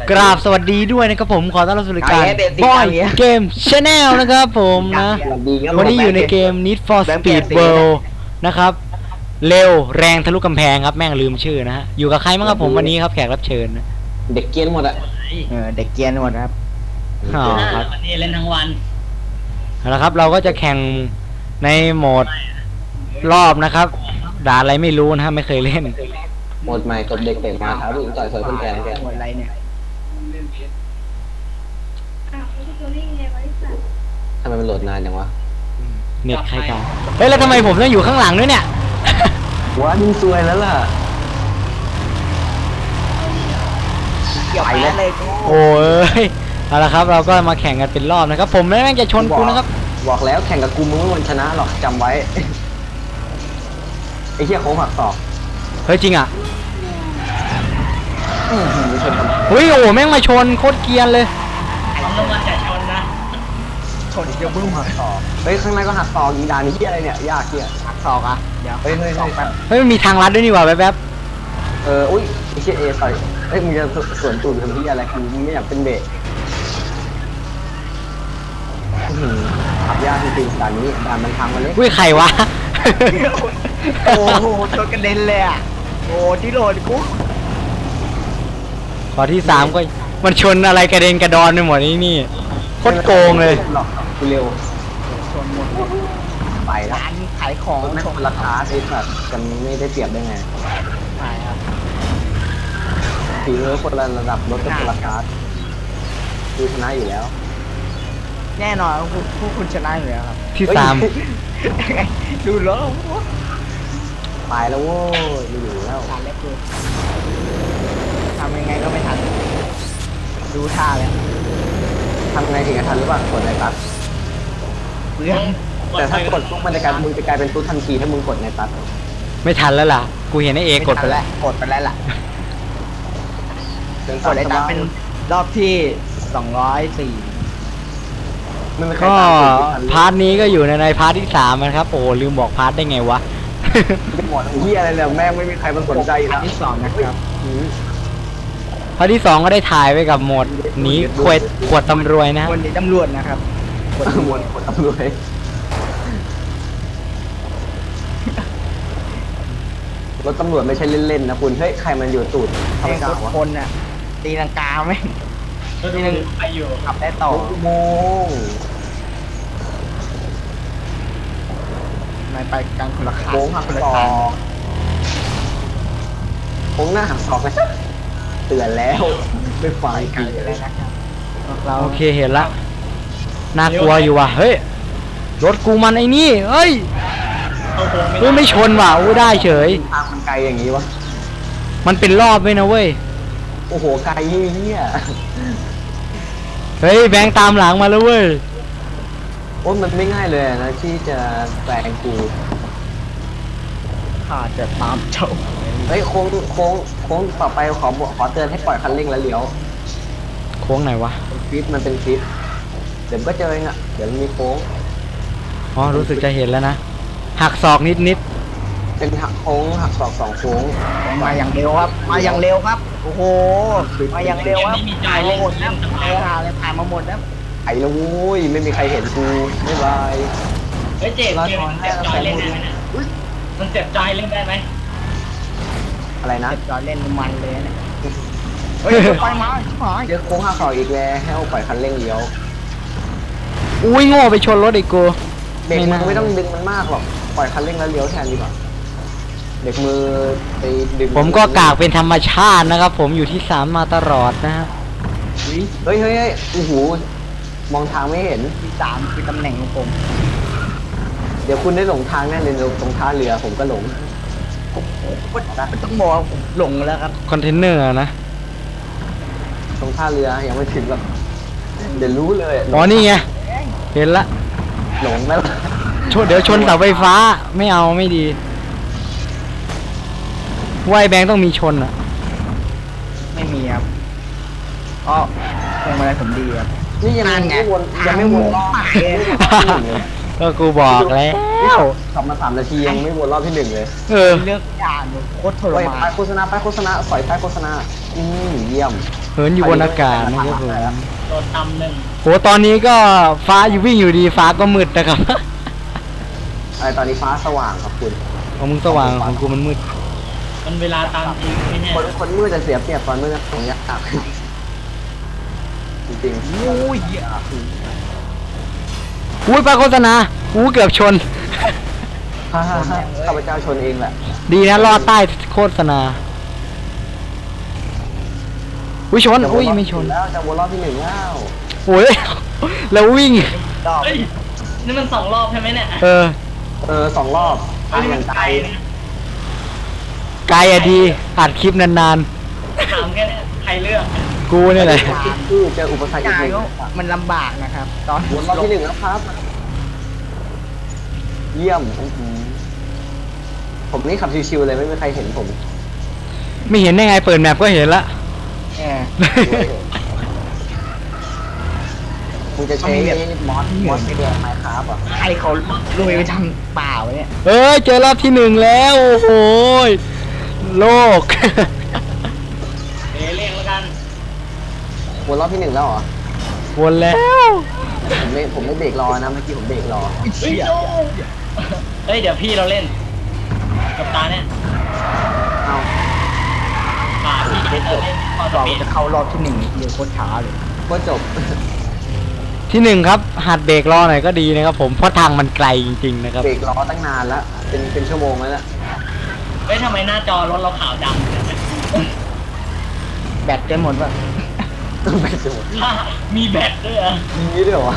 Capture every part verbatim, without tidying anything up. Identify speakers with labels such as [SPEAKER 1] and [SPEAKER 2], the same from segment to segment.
[SPEAKER 1] กราบสวัสดีด้วยนะครับผมขอต้อนรับสู่รายการบอยเกมชาแนลนะครับผมนะวันนี้อยู่ในเกม Need for Speed World นะครับเร็วแรงทะลุกำแพงครับแม่งลืมชื่อนะฮะอยู่กับใครบ้างครับผมวันนี้ครับแขกรับเชิญนะ
[SPEAKER 2] เด็กเกียนหมดอะ
[SPEAKER 3] เออเด็กเกียนหมดครับ
[SPEAKER 1] อ๋อครับ
[SPEAKER 4] วันนี้เล่นทั้งวัน
[SPEAKER 1] แล้วครับเราก็จะแข่งในโหมดรอบนะครับด่าอะไรไม่รู้นะฮะไม่เคยเล่น
[SPEAKER 2] หมดใหม่กดเด็กเตะมาท้าผู้หญิงต่อยสวยคนแก่แก
[SPEAKER 3] หมดอะไรเนี่ย
[SPEAKER 5] อ้าวไม่ใช่ตัวนี้ไงบริษัท
[SPEAKER 2] ทำไมมันโหลดนานจังวะ
[SPEAKER 1] เน็ตใครกันเฮ้ยแล้วทำไมผมต้องอยู่ข้างหลังด้วยเนี่ย
[SPEAKER 2] ว้ามึงซวยแล้วล่ะ
[SPEAKER 3] เกี่ยวไปเลย
[SPEAKER 1] โอ้ยเอาละครับเราก็มาแข่งกันเป็นรอบนะครับผมแม่งจะชนกูนะครับ
[SPEAKER 2] บอกแล้วแข่งกับกูมึงไม่มีวันชนะหรอกจำไว้ไอ้เหี้ยโค้งหักศอก
[SPEAKER 1] เฮ้ยจริงอ่ะ
[SPEAKER 2] อื้อหือชนกัน
[SPEAKER 1] เฮ้ยโอ้แม่งมาชนโคตรเกรียนเลย
[SPEAKER 4] ของรางวัลแต่ชนนะ
[SPEAKER 3] ชนเกี่ยวบึ้มหักศอก
[SPEAKER 2] เฮ้ยข้างในก็หักศอกอีดานนี่เหี้ยอะไรเนี่ยยากเหี้ย
[SPEAKER 3] หักศอกอ่ะเดี๋ยว
[SPEAKER 2] เฮ้ยเฮ้ย
[SPEAKER 3] ศอกแป๊บ
[SPEAKER 1] เฮ้ยมันมีทางลัดด้วยนี่หว่าแป๊บ
[SPEAKER 2] เอออุ้ยไอ้เหี้ยเอต่อยเฮ้ยมึงจะสวนตูดทำเหี้ยอะไรกูมึงไม่อยากเป็นเบรกอื้อหือขับยากจริงๆด่านนี้ด่านมันทางมาเล็ก
[SPEAKER 1] ๆอุ้ยใครวะ
[SPEAKER 3] โอ้โหชนกระเด็นเลยอ่ะโอ้ที่โหลดกู
[SPEAKER 1] ขอที่สามก็มันชนอะไรกระเด็นกระดอนไปหมดนี่นี่โคตรโกงเลย
[SPEAKER 2] หรอกกูเร็ว
[SPEAKER 3] ชนหมด
[SPEAKER 2] ไปแล้ว
[SPEAKER 3] ร้านขายของ
[SPEAKER 2] ไม่
[SPEAKER 3] ช
[SPEAKER 2] คน นราคาไอ้สัตว์กันไม่ได้เปรียบได้ไง
[SPEAKER 3] ขายครับ
[SPEAKER 2] ถือคนละระดับรถก็คนละคาสคือชนะอยู่แล้ว
[SPEAKER 3] แน่นอนผู้ผู้คุณชนะอยู่แล้วครับ
[SPEAKER 1] ที่สาม
[SPEAKER 3] ดูแล้ว
[SPEAKER 2] ตายแล้วโว้ยไม่อยู่แล้ว
[SPEAKER 3] ทันแล้วคือทำยังไงก็ไม่ทันดูท่าแล้ว
[SPEAKER 2] ทำไงถึงจะทันหรือเปล่ากดในตัด
[SPEAKER 3] เรื่อง
[SPEAKER 2] แต่ถ้ากดปุ๊บมันจะกลายมึงจะกลายเป็นตุ๊ดทันทีถ้ามึงกดในตัด
[SPEAKER 1] ไม่ทันแล้วล่ะกูเห็นไอ้เอกดไปแล้ว
[SPEAKER 3] กดไปแล้วล่ะ
[SPEAKER 2] เดิน
[SPEAKER 3] กดไอ้ตาเป็นรอบที่สองร้อยสี่
[SPEAKER 2] ไม่ไม่เคย
[SPEAKER 1] ก็
[SPEAKER 2] ตามตุ๊ดทัน
[SPEAKER 1] พาร์ทนี้ก็อยู่ในในพาร์ทที่สามนะครับโอ้ลืมบอกพาร์ทได้ไงวะ
[SPEAKER 2] ไม่หมดเฮียอะไรเลยแม่งไม่มีใครมันสนใจอยู่
[SPEAKER 3] อั
[SPEAKER 2] แล้
[SPEAKER 3] น
[SPEAKER 2] ว
[SPEAKER 3] ที่สองนะครับ
[SPEAKER 2] อืม
[SPEAKER 1] พาร์ทที่สองก็ได้ถ่ายไว้กับโหมดหนีขวดขวดตำรวจนะ
[SPEAKER 3] วันนี้ตำรวจนะครับ
[SPEAKER 2] กดหมดกดตำรวจรถตำรวจไม่ใช่เล่นๆนะคุณเฮ้ยใครมันอยู่ตูดทำ
[SPEAKER 3] เอ
[SPEAKER 2] ไม
[SPEAKER 3] ง
[SPEAKER 2] กล้า
[SPEAKER 3] ทุก
[SPEAKER 2] วะ
[SPEAKER 3] คนน่ะตีลังกาไหม
[SPEAKER 4] ก็ดูไปอยู่
[SPEAKER 3] ขับได้ต่อ
[SPEAKER 2] โมง
[SPEAKER 3] ไม่ไปกันคนละขา
[SPEAKER 2] โค้งหัก
[SPEAKER 3] คนละ
[SPEAKER 2] ศอ
[SPEAKER 3] ทาง
[SPEAKER 2] กโค้งหน้าหักศอกนะเตือนแล้วไม่ฟัง
[SPEAKER 3] กันเลยนะครับเรา
[SPEAKER 1] โอเคเห็นละน่ากลัวอยู่ว่ะเฮ้ยรถกูมันไอ้นี่เฮ้ย
[SPEAKER 4] เข้าโค้งไม่
[SPEAKER 1] เฮ้ย
[SPEAKER 4] ได้
[SPEAKER 1] ไม่ชนว่ะอู้ได้เฉย
[SPEAKER 2] ทางมันไกลอย่างนี้วะ
[SPEAKER 1] มันเป็นรอบด้วยนะเว้ย
[SPEAKER 2] โอ้โหไกลเฮีย
[SPEAKER 1] เฮ้ยแบงค์ตามหลังมาแล้วเว้ย
[SPEAKER 2] โอ้มันไม่ง่ายเลยนะที่จะแปลงกู
[SPEAKER 3] ข้าจะตามเจ้า
[SPEAKER 2] เฮ้ยโค้งโค้งโค้งต่อไปขอบอกขอเตือนให้ปล่อยคันเร่งแล้วเลี้ยว
[SPEAKER 1] โค้งไหนวะ
[SPEAKER 2] ฟิตมันเป็นฟิตเดี๋ยวก็เจอเองอ่ะเดี๋ยวมันมีโค้ง
[SPEAKER 1] อ๋อรู้สึกจะเห็นแล้วนะหักศอกนิดนิด
[SPEAKER 2] เป็นหักโค้งหักศอกสองโค้ง
[SPEAKER 3] มาอย่างเร็วครับ มาอย่างเร็วครับ โอ้โห มาอย่างเร็วครับ
[SPEAKER 4] ไม่มีใจ
[SPEAKER 3] ถ่าย
[SPEAKER 4] เล่
[SPEAKER 3] มาน หมดแล้ว
[SPEAKER 4] เล่น
[SPEAKER 3] ถ่ายถ่ายเลยถ่ายมาหมดแล้ว
[SPEAKER 2] ไอ้ละโว้ยไม่มีใครเห็นกูบ๊ายบาย
[SPEAKER 4] เฮ้ยเจ็บเกมมันเจ็บจอยเล่นได้ไหมนะมันเจ็บจอยเล่นได้ไหม
[SPEAKER 2] อะไรนะ
[SPEAKER 3] เจ็บจอยเล่นมันเลยเนี่ยเฮ้ยไปมาชิบหาย
[SPEAKER 2] เจอโค้งหักศอกอีกแล้วให้เอาปล่อยคันเร่งเลี้ยว
[SPEAKER 1] อุ้ยโง่ไปชนรถไอ้กู
[SPEAKER 2] เบรก
[SPEAKER 1] ไม่
[SPEAKER 2] มื
[SPEAKER 1] น่า
[SPEAKER 2] อไม่ต้องดึงมันมากหรอกปล่อยคันเร่งแล้วเลี้ยวแทนดีกว่าเบรกมือไปดึง
[SPEAKER 1] ผมก็กากเป็นธรรมชาตินะครับ ผมอยู่ที่สามมาตลอดนะฮะ
[SPEAKER 2] เฮ้ยเฮ้ยเฮ้ยโอ้โหมองทางไม่เห็น
[SPEAKER 3] ที่สามคือตำแหน่งของผม
[SPEAKER 2] เดี๋ยวคุณได้หลงทางแน่เลยตรงท่าเรือผมก็หลง
[SPEAKER 3] มันต้องบอกว่าผมหลงแล้วครับ
[SPEAKER 1] คอนเทนเนอร์นะ
[SPEAKER 2] ตรงท่าเรือยังไม่ถึงหรอกเดี๋ยวรู้เลย
[SPEAKER 1] อ๋อนี่ไงเห็นละ
[SPEAKER 2] หลงแล้ว
[SPEAKER 1] ชนเดี๋ยวชนเสาไฟฟ้าไม่เอาไม่ดีไวาไอ้แบงค์ต้องมีชนอ่ะ
[SPEAKER 3] ไม่มีครับอ๋อพวงมาลัยผมดีครับ
[SPEAKER 2] นี่ยัง
[SPEAKER 3] นั่นไง
[SPEAKER 2] ไม่วนยังไม่วนรอบ
[SPEAKER 3] ทาง
[SPEAKER 2] ยังไม่วนรอบที่หนึ่งเลย
[SPEAKER 1] ก็กูบอกแล้ว
[SPEAKER 2] ขับมาสามนาทียังไม่วนรอบที่หนึ่งเลย
[SPEAKER 1] เออ
[SPEAKER 3] เลือกอย่างโคตรทร
[SPEAKER 2] ไป
[SPEAKER 3] มา
[SPEAKER 2] ไป
[SPEAKER 3] น
[SPEAKER 2] โฆษณาไปโฆษณาสอยไปโฆษณาอืมเยี่ยม
[SPEAKER 1] เหินอยู่บนอากาศนะครับผม
[SPEAKER 4] โดนตำหนึ่ง
[SPEAKER 1] โหตอนนี้ก็ฟ้าอยู่วิ่งอยู่ดีฟ้าก็มืดนะครับ
[SPEAKER 2] ไอตอนนี้ฟ้าสว่างครับคุณ
[SPEAKER 1] ของมึงสว่างของกูมันมืด
[SPEAKER 4] มันเวลาตามจริงไม่แน่
[SPEAKER 2] คนคนมืดจะเสียเปรียบตอนมืดของยากจริงๆ
[SPEAKER 3] อุ้ย
[SPEAKER 1] อุ้ยไปโฆษณาอู้เกือบชน
[SPEAKER 2] ฮ่าฮ่าฮ่าข้าพเจ้าชนเองแหละ
[SPEAKER 1] ดีนะรอดใต้โฆษณาอุ้ยชนอุ้ยไม่ชน
[SPEAKER 2] แล้วจะวนรอบที่หนึ่งแล้ว
[SPEAKER 1] โอ้ยแล้ววิ่ง
[SPEAKER 3] ดอก
[SPEAKER 4] เฮ้ยนี่มันสองรอบใช่ไหมเนี่ย
[SPEAKER 1] เออ
[SPEAKER 2] เออสองรอบ
[SPEAKER 4] เฮ้ยนี่มันไกลนะ
[SPEAKER 1] ไกลอะดีอัดคลิปนาน
[SPEAKER 4] ถามแค่เนี้ยใครเลือก
[SPEAKER 1] ๆ กูนี่แหละ
[SPEAKER 2] คือเจออุปสรรคอี
[SPEAKER 3] กาก
[SPEAKER 2] ห
[SPEAKER 3] ย
[SPEAKER 2] นึ่ง
[SPEAKER 3] ก็มันลำบากนะครับ ตอน
[SPEAKER 2] วนรอบที่หนึ่งแล้วครับ เยี่ยมอื้อหือผมนี่ขับชิวๆเลยไม่มีใครเห็นผม
[SPEAKER 1] ไม่เห็นได้ไงเปิดแมปก็เห็นละ
[SPEAKER 3] แหม
[SPEAKER 2] มึงจะใช้มอสมอสเดือไมค์ครับอ่ะ
[SPEAKER 3] ใครเขาลุยไปทำเปล่าวะเนี่ย
[SPEAKER 1] เอ้ยเจอรอบที่หนึ่งแล้วโอ้โหยโลก
[SPEAKER 4] เดี๋ยวเรียกแล้วกัน
[SPEAKER 2] วนรอบที่หนึ่งแล้วเหรอ
[SPEAKER 1] วนแล้ว
[SPEAKER 2] ผมไม่ผมไม่เบรกรอนะเมื่อกี้ผมเบรกรอ
[SPEAKER 4] เฮ้ยโจ้เฮ้ยเดี๋ยวพี่เราเล่น กับตาเนี่ย
[SPEAKER 2] เอา
[SPEAKER 4] ป่าพี่เราเล่นพอส
[SPEAKER 3] เรา
[SPEAKER 4] ปีด
[SPEAKER 3] จะเข้ารอบที่หนึ่งเดียวโคตรช้าเลย
[SPEAKER 2] ก็จบ
[SPEAKER 1] ที่หนึ่งครับหัดเบรกรอหน่อยก็ดีนะครับผมเพราะทางมันไกลจริงๆนะครับ
[SPEAKER 2] เบรกรอตั้งนานแล้วเป็นเป็นชั่วโมงแล้วนะ
[SPEAKER 4] เฮ้ยทำไมหน้าจอรถเราขาวดำเนี่ย
[SPEAKER 3] แบตจะหมดป่ะ
[SPEAKER 2] ไม่จบ
[SPEAKER 4] ถ้ามีแบตด้วยเหรอ
[SPEAKER 2] มีนี้ด้วยเหรอ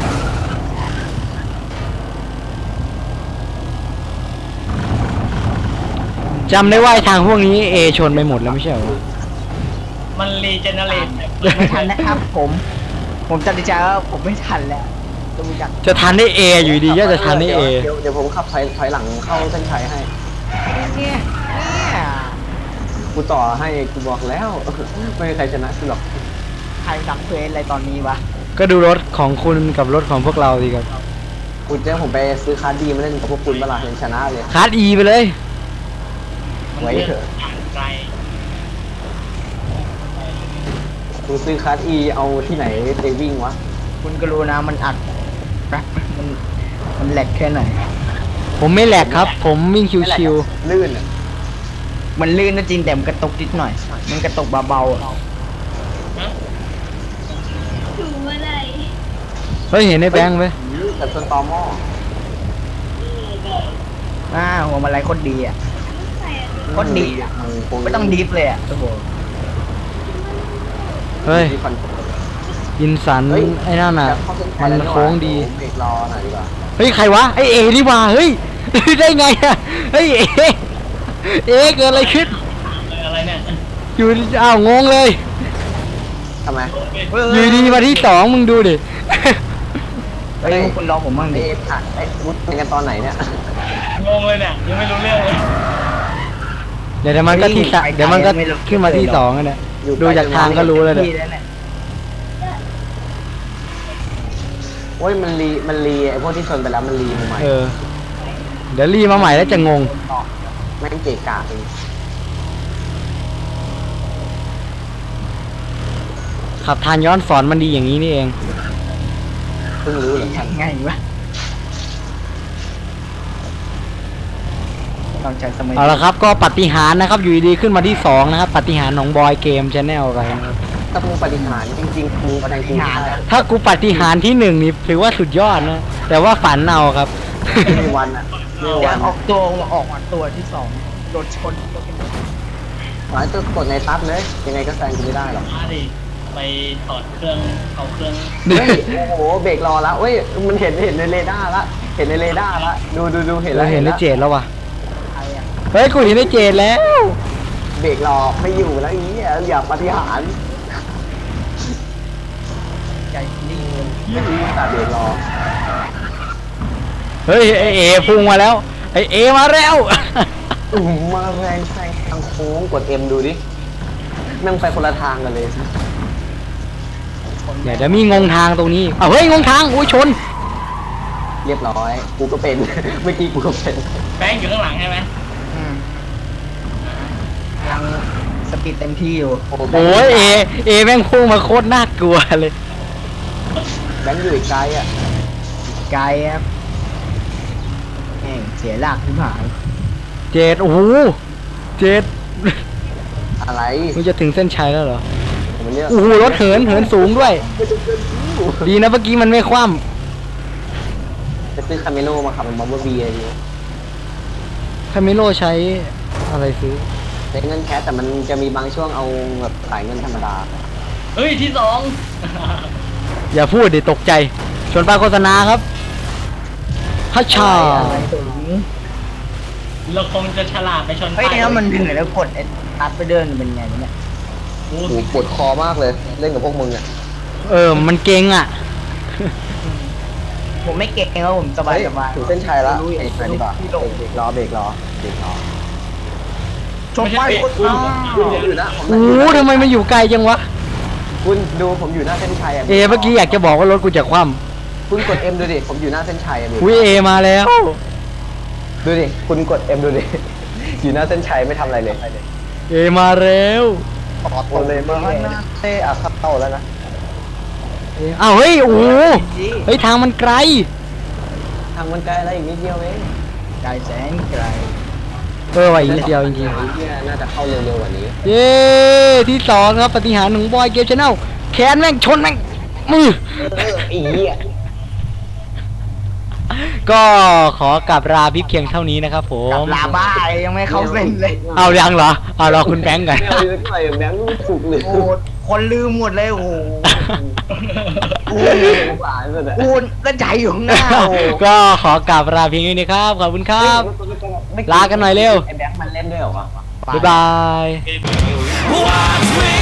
[SPEAKER 1] จำได้ว่าไอ้ทางพวกนี้เอชนไปหมดแล้วไม่ใช่เหรอ
[SPEAKER 4] มันรีเจเนเรต
[SPEAKER 3] ไม่ทันนะครับ ผม ผมตัดสินใจว่าผมไม่ทันแล้วดูจาก
[SPEAKER 1] จะทันได้เออยู่ดีก็จะทันได้เอ
[SPEAKER 2] เดี๋ยวเดี๋ยวผมขับถอยถอยหลังเข้าเส้นชัยให้
[SPEAKER 3] เนี่ยเนี่ย
[SPEAKER 2] กูต่อให้กูบอกแล้ว ไม่มีใครชนะกูหรอก
[SPEAKER 3] ใครทำเควสอะไรตอนนี้วะ
[SPEAKER 1] ก็ดูรถของคุณกับรถของพวกเราดีครับ
[SPEAKER 2] กูเจ้าผมไปซื้อคาร์ดดีมาเล่นกับพวกคุณเวลาเห็นชนะเลย
[SPEAKER 1] คาร์ดอีไปเลย
[SPEAKER 4] มัน
[SPEAKER 2] ไว้
[SPEAKER 4] เลือก
[SPEAKER 2] เถอะ
[SPEAKER 4] ผ่านไกล
[SPEAKER 2] กูซื้อคาร์ดอีเอาที่ไหนไปวิ่งวะ
[SPEAKER 3] คุณก็รู้นะมันอัดแป๊บมันมันแหลกแค่ไหน
[SPEAKER 1] ผมไม่แหลกครับ ผมวิ่งชิว
[SPEAKER 2] ลื่นอะ
[SPEAKER 3] มันลื่นนะจริงแต่มันกระตุกนิดหน่อย มันกระตุกเบาๆอะ
[SPEAKER 5] ถูเมื่อไหร่
[SPEAKER 1] ๆเฮ้ยเห็นไอ้แบงค์ไหม
[SPEAKER 2] แต่ส่วนตอหม้อ
[SPEAKER 3] อ่าหัวมันอะไรโคตรดีอ่ะ
[SPEAKER 5] ใส่อะ
[SPEAKER 3] โคตรดีอ่ะ
[SPEAKER 2] มันค
[SPEAKER 3] ไม่ต้องดิฟเลยอ่ะโอ้โห
[SPEAKER 1] เฮ้ย
[SPEAKER 2] ที่คอน
[SPEAKER 1] ยินสัน
[SPEAKER 2] เฮ้ย
[SPEAKER 1] ไอ้นั่นน่ะ
[SPEAKER 2] จะเข้าเส้นชั
[SPEAKER 1] มั
[SPEAKER 2] ย
[SPEAKER 1] น
[SPEAKER 2] แล้วนี่หว่า
[SPEAKER 1] โค้งดี
[SPEAKER 2] เบรกรอหน่อยดีกว่า
[SPEAKER 1] เฮ้ยใครวะไอเอนี่ว่าเฮ้ย ได้ไงอะเฮ้ยเอเอเกิดอะไรขึ้น
[SPEAKER 4] อะไรเนี่ย
[SPEAKER 1] อยู่อ้าวงงเลย
[SPEAKER 2] ทำไม
[SPEAKER 1] อยู่ดีมาที่สองมึงดูดิ
[SPEAKER 3] เฮ้ยคุณรอผมบ้างดิ
[SPEAKER 2] เอ๊ะผ่านไอ้วุฒิเป็นกันตอนไหนเนี่ย
[SPEAKER 4] งงเลยเนี่ยยังไม่รู้เรื่องเลย
[SPEAKER 1] เดี๋ยวมันก็ที่สะเดี๋ยวมันก็ขึ้นมาที่สองกันเนี่ย
[SPEAKER 2] อยู่
[SPEAKER 1] ดูจากทางก็รู้เลยเนี่ย
[SPEAKER 3] พี่แล้วเนี่ย
[SPEAKER 2] โอ้ยมันรีมันรีไอ้พวกที่ชนไปแล้วมันรีมาใหม่
[SPEAKER 1] เออ เดี๋ยวรีมาใหม่แล้วจะงง
[SPEAKER 2] แม่งเกะกะเอง
[SPEAKER 1] ขับทานย้อนสอนมันดีอย่างนี้นี่เอง
[SPEAKER 2] เพิ่งรู้เหรอ
[SPEAKER 3] ยังไงวะต้องใช้สมัย
[SPEAKER 1] เอาละครับก็ปาฏิหารย์นะครับ อยู่ดีๆขึ้นมาที่สองนะครับปาฏิหารย์ของบอยเกมชาแนลไปนะครับ
[SPEAKER 2] ถ้ามึงปฏิหารย์จริงๆมึงปฏิหารย์แล้ว
[SPEAKER 1] ถ้ากูปาฏิหารย์ที่หนึ่งนี่ถือว่าสุดยอดนะ แต่ว่าฝันเอาครับ
[SPEAKER 2] ไม่มีวันอ่ะไม่มี
[SPEAKER 3] จะ
[SPEAKER 2] วัน
[SPEAKER 3] ออกตัวออกมาตัวที่สองโดนชน
[SPEAKER 2] หมายตัวกดในซับเลยยังไงก็แซงกูไม่ได้หรอก
[SPEAKER 4] มาดิไปถอดเครื่องเอาเครื่อง
[SPEAKER 2] เฮ้ยโอ้โหเบรกรอแล้วเฮ้ยมันเห็นเห็นในเรดาร์ละเห็นในเรดาร์ละดูดูดูเห็น
[SPEAKER 1] เรา
[SPEAKER 2] แล้ว
[SPEAKER 1] เห็นได้
[SPEAKER 2] แล้ว
[SPEAKER 1] เจดแล้วว่ะ
[SPEAKER 3] ใครอ่ะ
[SPEAKER 1] เฮ้ยกูเห็นได้เจดแล้ว
[SPEAKER 2] เบรกรอไม่อยู่แล้วอีอ่ะอย่าปฏิหารย์
[SPEAKER 3] ใจดี
[SPEAKER 2] ไม่ดีแต่เบรกรอ
[SPEAKER 1] เฮ้ยไอเอพุ่งมาแล้วไอเอมาแล้ว
[SPEAKER 2] อืมมาแรงแซงทางโค้งกดเอ็มดูดิแม่งไปคนละทางกันเลย
[SPEAKER 1] เดี๋ยวจะมีงงทางตรงนี้อ้าวเฮ้ยงงทางอุ้ยชน
[SPEAKER 2] เรียบร้อยกูก็เป็น เมื่อกี้กูก็เป็น
[SPEAKER 4] แบงค์อยู่ข้างหลังใช่ไหม
[SPEAKER 3] อืมกำลังสติดเต็มที่อยู่
[SPEAKER 1] โอ้ยเอเอแม่งพุ่งมาโคตรน่ากลัวเลย
[SPEAKER 2] แบงค์อยู่อีกไกลอ่ะ
[SPEAKER 3] ไกลครับแม่งเสียหลักที่หาย
[SPEAKER 1] เจดโอ้โหเจด
[SPEAKER 2] อะไร
[SPEAKER 1] มึงจะถึงเส้นชัยแล้วเหรอ
[SPEAKER 2] มันเนี่ย
[SPEAKER 1] โอ้โหรถเหินเหินสูงด้วย ดีนะเมื่อกี้มันไม่คว่
[SPEAKER 2] จะซื้อคาเมโนมาขับเป็นบัมเบอร์บีอะไรดี
[SPEAKER 1] ำคาเมโลใช้อะไรซื้อ
[SPEAKER 2] ใช้เงินแคสแต่มันจะมีบางช่วงเอาแบบขายเงินธรรมดา
[SPEAKER 4] เฮ้ยที่สอง
[SPEAKER 1] อย่าพูดดิตกใจ ชวนป้ายโฆษณาครับฮัชชา
[SPEAKER 3] อะไรถึง
[SPEAKER 4] เราคงจะฉลาดไปชน
[SPEAKER 3] เฮ้ยแล้วมันเหนื่อยแล้วกดไอ้ตัดไปเดินเป็นไงวะเนี่ย
[SPEAKER 4] โอ้
[SPEAKER 2] โอ้โหปวดคอมากเลย เล่นกับพวกมึงอ่ะ
[SPEAKER 1] เออ มันเก่งอ่ะ
[SPEAKER 3] ผมไม่เก่งครับผมสบาย
[SPEAKER 2] เฮ้ย
[SPEAKER 3] สบาย
[SPEAKER 2] ถึงเส้นชัยแล้ว
[SPEAKER 3] รู้
[SPEAKER 2] เบรกหน่อยดีกว่า
[SPEAKER 3] ที่ลง
[SPEAKER 2] เบรกล้อเบรกล้อเบรกล้อ
[SPEAKER 3] ชมไปโคตร
[SPEAKER 2] คุณ
[SPEAKER 3] อ้าว
[SPEAKER 2] คุณอยู่นะผม
[SPEAKER 1] โอ้โหทำไมมันอยู่ไกลจังวะ
[SPEAKER 2] คุณดูผมอยู่หน้าเส้นชัยอ่ะ
[SPEAKER 1] เอเมื่อกี้อยากจะบอกว่ารถกูจะคว่
[SPEAKER 2] คุณกด M ดูดิผมอยู่หน้าเส้นชัยอ่ะดู
[SPEAKER 1] ำอุ้ยเอมาแล้ว
[SPEAKER 2] ดูดิคุณกด M ดูดิ อยู่หน้าเส้นชัยไม่ทำอะไรเลย
[SPEAKER 1] เอมาแล้ว
[SPEAKER 2] ออโต้เลยมาเต้อะครับเข้าแล้วนะ
[SPEAKER 1] เออ้าวเฮ้ยโอ้โหเฮ้ยทางมันไกล
[SPEAKER 2] ทางมันไกลอะไรอีกนิดเดียวเอง
[SPEAKER 3] ไกลแสนไกล
[SPEAKER 1] เออว่ะอีกนิดเดียวจริง
[SPEAKER 2] ไอ้เหี้ยน่าจะเข้าเร็วๆกว่านี้
[SPEAKER 1] ๆเย้ที่สองครับปฏิหารย์ของบอยเกมชาแนลแขนแม่งชนแม่งมือ
[SPEAKER 2] เออไอ้เหี้ย
[SPEAKER 1] ก็ขอกลับลาพี่เพียงเท่านี้นะครับผ
[SPEAKER 3] กับ
[SPEAKER 1] ม
[SPEAKER 3] ลาบ้ายังไม่เข้าเส้นเลย
[SPEAKER 1] เอายังเหรอเอารอคุณแบงค์กัน
[SPEAKER 2] ไม่เอาเลยหน่อยแบงค์ถูกเลย
[SPEAKER 3] โอ้โหคนลืมหมดเลยโอ้โห
[SPEAKER 2] โอ้ยสงสารสุดอะ
[SPEAKER 3] กูก็ใจอยู่ข้างหน้าโอ้โห
[SPEAKER 1] ก็ขอกลับลาเพียงเท่านี้ครับขอบคุณครับ ลากันหน่อยเร็ว
[SPEAKER 2] ไอ้แบงค์มันเล่นด้วยเหรอวะ
[SPEAKER 1] บ๊ายบาย
[SPEAKER 6] Watch me